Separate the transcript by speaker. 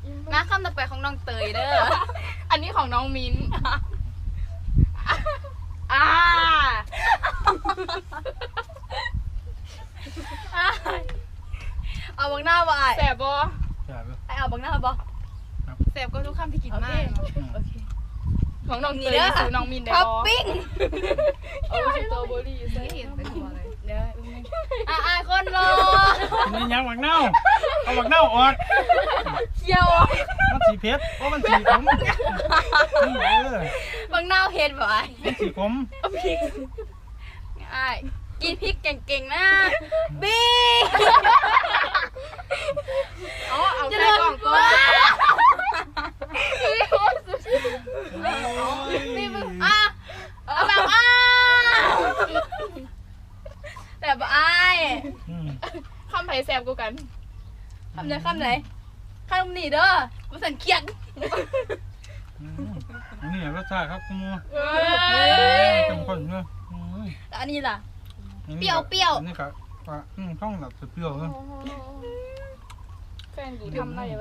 Speaker 1: มาคำต่อไปของน้องเตยเด้อ
Speaker 2: อันนี้ของน้องมิ้นอ่า
Speaker 1: เอาบังหน้าบ่ไอ้
Speaker 2: แสบบ่
Speaker 3: ใช่ไหม
Speaker 1: ไอ้เอาบังหน้าบ่
Speaker 2: แสบก็ทุกคำที่กิน
Speaker 1: โอ
Speaker 2: มา
Speaker 1: เค
Speaker 2: ก
Speaker 1: โอเค
Speaker 2: ของน้องเตยสู่น้องมินได้
Speaker 1: ท็อป
Speaker 2: บ่
Speaker 1: ปิ้ง
Speaker 2: เอาสตรอเบอรี่ใส่
Speaker 1: เห็นเป็นตัวเลยเด้อไอ้คนรอ
Speaker 3: กินยังหมักเน่าเอาหมักเน่าออก
Speaker 1: เคี่ยว
Speaker 3: มันสีเพชรเพราะมันสีขมนี่
Speaker 1: บังหน้าเห็นบ่ไอ้
Speaker 3: มันสีขม
Speaker 1: ไอ้กินพริกเก่งๆนะบิ๊ก
Speaker 2: อ๋อเอาใส่กล่องก่อน
Speaker 1: นี่มึงอ่ะเอาแบบอ่ะแบบไอ้
Speaker 2: คำไผ่แสบกูกัน
Speaker 1: คำไหนคำไหนคำนี่เด้อมาสั่นเคียง
Speaker 3: นี่รสชาติครับคุณมู
Speaker 2: เฮ้
Speaker 3: เข้มข้นเนอะ
Speaker 1: แล้วอันนี้ล่ะ เปรี้ยว
Speaker 3: อันนี้ก็ต้องแบบเปรี้ยวเนอะ
Speaker 2: แฟนกูทำได้